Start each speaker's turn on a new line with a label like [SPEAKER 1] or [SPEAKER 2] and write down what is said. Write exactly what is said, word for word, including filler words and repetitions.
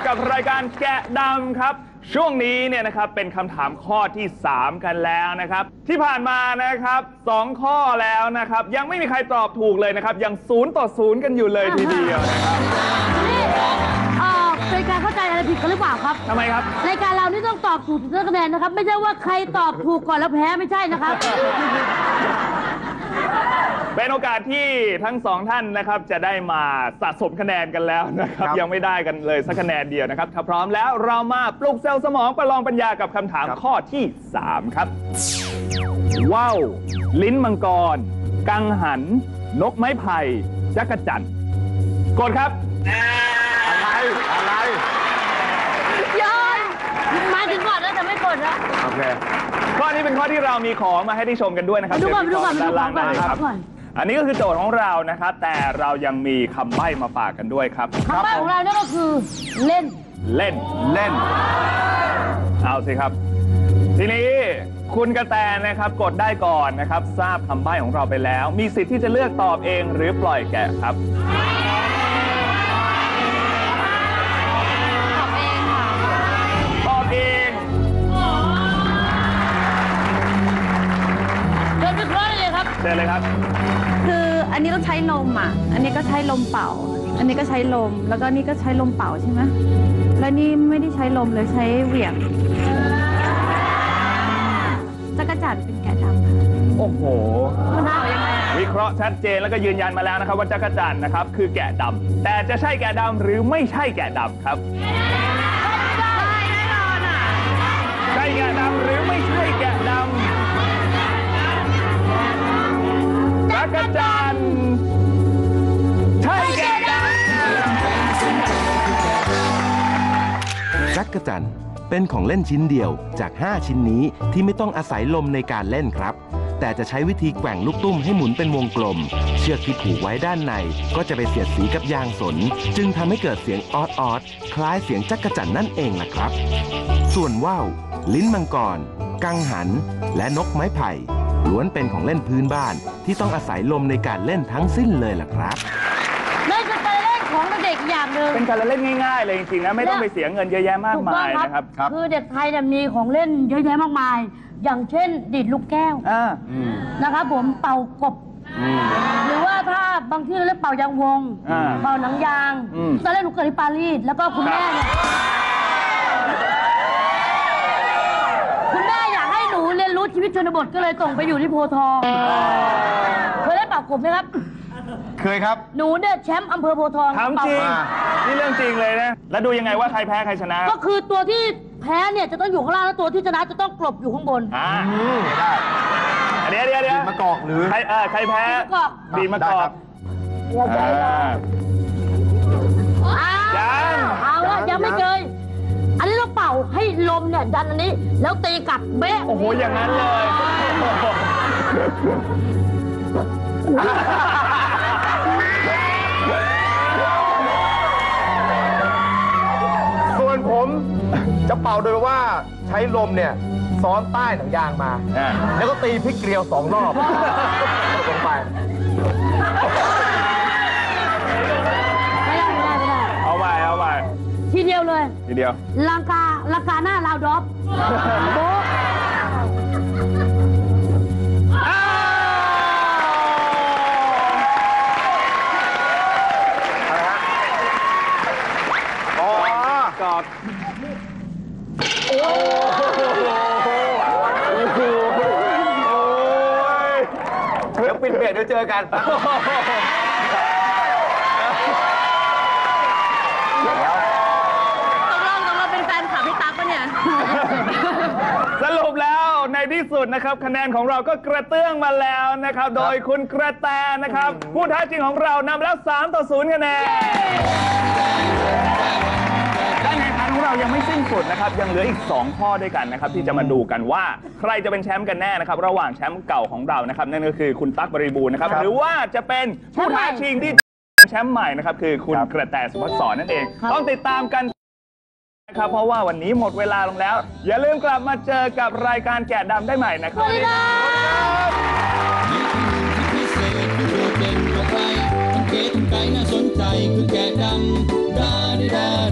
[SPEAKER 1] กับรายการแกะดำครับช่วงนี้เนี่ยนะครับเป็นคำถามข้อที่สามกันแล้วนะครับที่ผ่านมานะครับสองข้อแล้วนะครับยังไม่มีใครตอบถูกเลยนะครับยังศูนย์ต่อศูนย์กันอยู่เลยทีเดียวนะครับ
[SPEAKER 2] นี่เอ่อเป็นการเข้าใจอะไรผิดกันหรือเปล่าครับ
[SPEAKER 1] ทำไมครับ
[SPEAKER 2] รายการเรานี่ต้องตอบถูกถึงจะคะแนนนะครับไม่ใช่ว่าใครตอบถูกก่อนแล้วแพ้ไม่ใช่นะครับ
[SPEAKER 1] เป็นโอกาสที่ทั้งสองท่านนะครับจะได้มาสะสมคะแนนกันแล้วนะครับยังไม่ได้กันเลยสักคะแนนเดียวนะครับถ้าพร้อมแล้วเรามาปลุกเซลล์สมองประลองปัญญากับคำถามข้อที่สามครับว่าวลิ้นมังกรกังหันนกไม้ไผ่จักรจั่นกดครับ
[SPEAKER 3] อะไรอะไร
[SPEAKER 2] ย้อนมาถึงก่อนแล้วแต่ไม่กดแล้ว
[SPEAKER 1] โอเคข้อนี้เป็นข้อที่เรามีของมาให้ได้ชมกันด้วยนะครับ
[SPEAKER 2] ดูก่อนดูก่อนดูก่อนดูก่อน
[SPEAKER 1] อันนี้ก็คือโจทย์ของเรานะครับแต่เรายังมีคำใบ้มาฝากกันด้วยครับ
[SPEAKER 2] คำใบ้ของเราเนี่ยก็คือเล่น
[SPEAKER 1] เล่น
[SPEAKER 3] เล่น
[SPEAKER 1] เอาสิครับทีนี้คุณกระแตนะครับกดได้ก่อนนะครับทราบคำใบ้ของเราไปแล้วมีสิทธิ์ที่จะเลือกตอบเองหรือปล่อยแกะครับ
[SPEAKER 2] ตอบเองค่ะ
[SPEAKER 1] ตอบเอง
[SPEAKER 2] เชิญวิเคราะห์เลยครับ
[SPEAKER 1] เชิญเลยครับ
[SPEAKER 4] คืออันนี้ต้องใช้ลมอ่ะอันนี้ก็ใช้ลมเป่าอันนี้ก็ใช้ลมแล้วก็นี่ก็ใช้ลมเป่าใช่ไหมแล้วนี่ไม่ได้ใช้ลมเลยใช้เหวี่ยงจักรจั่นเป็นแกะดำ
[SPEAKER 1] โอ้โห
[SPEAKER 4] มันเป่ายังไง
[SPEAKER 1] วิเคราะห์ชัดเจนแล้วก็ยืนยันมาแล้วนะครับว่าจักรจั่นนะครับคือแกะดำแต่จะใช่แกะดำหรือไม่ใช่แกะดำครับ
[SPEAKER 4] ใช่แน่นอนอ่ะ
[SPEAKER 1] ใช่แกะดำหรือไม่ใช่แกะดำจักรจั่นใช่แกะด
[SPEAKER 5] ำจักรจั่นเป็นของเล่นชิ้นเดียวจากห้าชิ้นนี้ที่ไม่ต้องอาศัยลมในการเล่นครับแต่จะใช้วิธีแกว่งลูกตุ้มให้หมุนเป็นวงกลมเชือกที่ผูกไว้ด้านในก็จะไปเสียดสีกับยางสนจึงทำให้เกิดเสียงออดออดคล้ายเสียงจักรจั่นนั่นเองล่ะครับส่วนว่าวลิ้นมังกรกังหันและนกไม้ไผ่ล้วนเป็นของเล่นพื้นบ้านที่ต้องอาศัยลมในการเล่นทั้งสิ้นเลยล่ะครับ
[SPEAKER 2] นั่นคือการเล่นของเด็กอย่างหนึ่ง
[SPEAKER 1] เป็นการเล่นง่ายๆเลยจริงๆนะไม่ต้องไปเสียเงินเยอะแยะมากมายนะครับ
[SPEAKER 2] คือเด็กไทยเนี่ยมีของเล่นเยอะแยะมากมายอย่างเช่นดีดลูกแก้วนะครับผมเป่ากบหรือว่าถ้าบางที่เราเรียกเป่ายางวงเป่าหนังยางตอนแรกหนูเกิดที่ปารีสแล้วก็คุณแม่เนี่ยคุณแม่อยากให้หนูเรียนรู้ชีวิตชนบทก็เลยส่งไปอยู่ที่โพธิ์ทองเคยได้เป่ากบไหมครับ
[SPEAKER 3] เคยครับ
[SPEAKER 2] หนูเนี่ยแชมป์อำเภอโพธิ์ทอง
[SPEAKER 1] ถามจริงนี่เรื่องจริงเลยนะแล้วดูยังไงว่าใครแพ้ใครชนะ
[SPEAKER 2] ก็คือตัวที่แพ้เนี่ยจะต้องอยู่ข้างล่างแล้วตัวที่ชนะจะต้องกลบอยู่ข้างบน
[SPEAKER 1] อ่าได้เดี๋ยวเดี๋ยวเดี๋ยว
[SPEAKER 3] มะกอกหรือ
[SPEAKER 1] ใครเออใครแพ้ดีมะกอก
[SPEAKER 2] ยังเอาละยังไม่เคยอันนี้เราเป่าให้ลมเนี่ยดันอันนี้แล้วตีกลับเบ๊ะ
[SPEAKER 1] โอ้โหอย่างนั้นเลย
[SPEAKER 3] ส่วนผมจะเป่าโดยว่าใช้ลมเนี่ยซ้อนใต้หนังยางมาแล้วก็ตีพริกเกลียวสองรอบลงไป
[SPEAKER 2] ไม่ได้ไม่ได้ไม่ได้
[SPEAKER 1] เอาไปเอาไป
[SPEAKER 2] ทีเดียวเลย
[SPEAKER 1] ทีเดียว
[SPEAKER 2] ลังกาลังกาหน้าลาวดรอปโบ๊ะ
[SPEAKER 1] กอดโอ้โห
[SPEAKER 3] เดี๋ยวปิดเบรกเดี๋ยวเจอกัน
[SPEAKER 2] ตกลงตกลงเป็นแฟนคลับพี่ตั๊กปะเนี่ย
[SPEAKER 1] สรุปแล้วในที่สุดนะครับคะแนนของเราก็กระเตื้องมาแล้วนะครับโดยคุณกระแตนะครับผู้ท้าชิงของเรานำแล้วสามต่อศูนย์คะแนนการแข่งขันของเรายังไม่สิ้นสุดนะครับยังเหลืออีกสองข้อด้วยกันนะครับที่จะมาดูกันว่าใครจะเป็นแชมป์กันแน่นะครับระหว่างแชมป์เก่าของเรานะครับนั่นก็คือคุณตั๊กบริบูรณ์นะครับหรือว่าจะเป็นผู้ท้าชิงที่แชมป์ใหม่นะครับคือคุณกระแตสุภัสสรนั่นเองต้องติดตามกันนะครับเพราะว่าวันนี้หมดเวลาลงแล้วอย่าลืมกลับมาเจอกับรายการแกะดำได้ใหม่นะครับสวัสดีครับ
[SPEAKER 6] สังเกตไกลน่าสนใจคือแกะดำดาดิดา